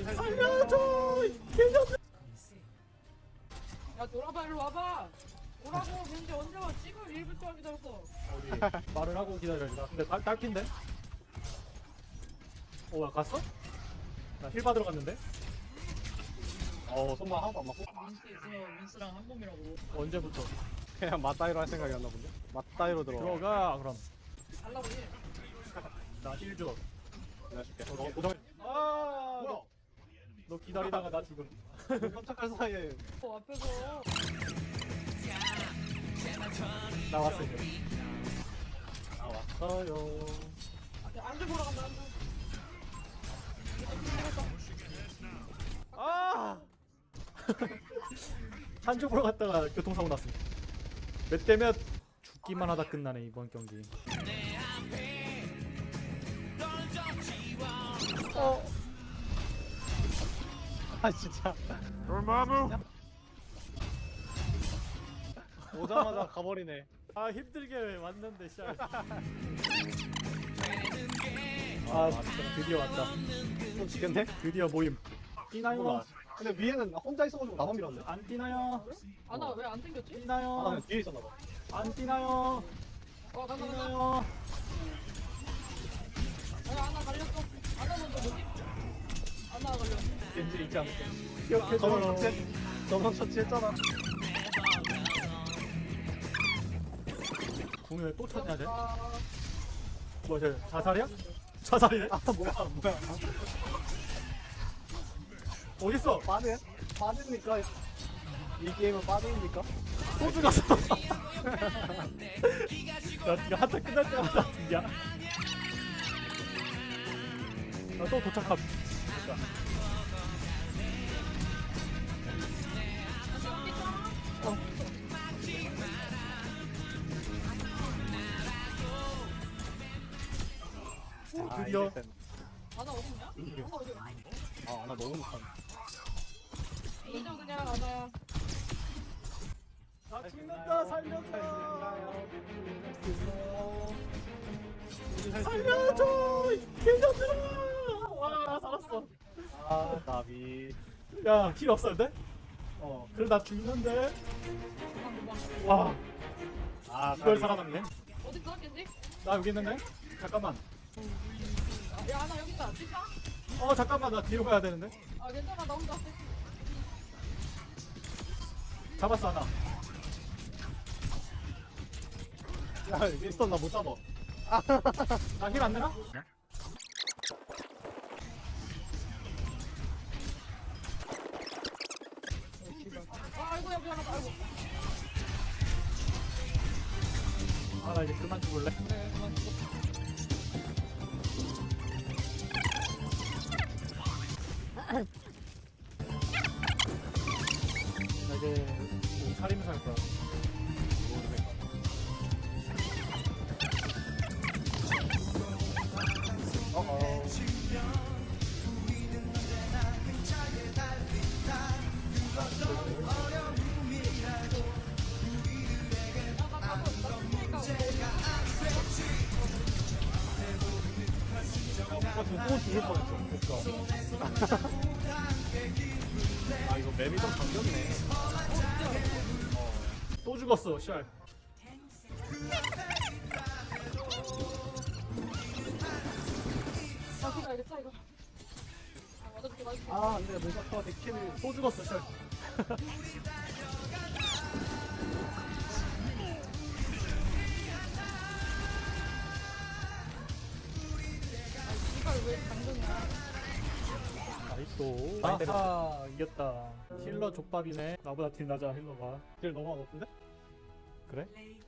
살려줘 개년들. 야 돌아봐 일로 와봐. 오라고 벤지 언제 와? 지금 1분 동안 기다렸어. 우리 말을 하고 기다려야 근데 딸핀데? 나 갔어? 나 힐 받으러 갔는데? 손만 하나도 안 맞고 민스 있으면 민스랑 한 몸이라고. 언제부터? 그냥 맞다이로 할 생각이었나 본데? 맞다이로 들어가 그럼. 달라고 해. 나 힐 줘. 내가 줄게. 고정. 뭐야? 너 기다리다가 나 죽음. 깜짝할 사이에 앞에서. 나왔어 이제. 나왔어요. 야, 안주 보러 간다 안주. 한주 보러 갔다가 교통사고 났습니다. 몇 대면 죽기만 하다 끝나네 이번 경기. 아 진짜 dormammu 오자마자 가버리네. 아 힘들게 왔는데 씨. 드디어 왔다. 좀 지겠네? 드디어 모임. 뛰나요? 몰라. 근데 위에는 혼자 있어가지고 나만 밀었네. 안 뛰나요? 아나 왜 안 생겼지? 아 뛰나요? 그냥 뒤에 있었나봐. 안 뛰나요? 간다 간다. 뛰나요? 아나 갈렸어. 아나 먼저 뭐지? 아나 갈렸어. 겐지 있지 않을까? 저번 기억해줘요. 처치 저번 처치했잖아. 궁을 또 찾아야 돼? 아, 뭐, 자살이야? 자살이네? 아 뭐야. 어딨어? 빠지니까 이 게임은 빠지니까. 또 죽었어. 나 지금 한타 끝날 때마다 야. 나또 도착함. 드디어. 아나 어딨냐? 아나 어디? 아나 너무 못하네. 인정 그냥 아나야. 나 죽는다 살려줘 개년들아. 와 살았어. 아 나비. 야 힐 없었는데? 그래 나 죽는데. 와 이걸 살아남네. 어디 있어 겐지? 나 여기 있는데? 잠깐만. 야 아나 여기 있다. 진짜? 잠깐만 나 뒤로 가야 되는데. 아 괜찮아 나 혼자. 잡았어 하나. 야 윈스턴 나 못 잡아. 나 힐 안 되나? 아이고야 미안하다. 아이고. 나 이제 그만 죽을래. 네 그만 죽어. 나 이제 살림살 거야. 또 죽을 뻔했어. 아 이거 맵이 좀 반격이네. 또 죽었어 샬. 아 그거 알겠다 이거. 아 맞아줄게 맞아줄게. 아 안돼 무사파 데키를. 또 죽었어 샬. 이걸 왜 당근이야? 아이또 아하 이겼다. 힐러 족밥이네. 나보다 딜 낮아 힐러가. 딜 너무 안 높은데? 그래?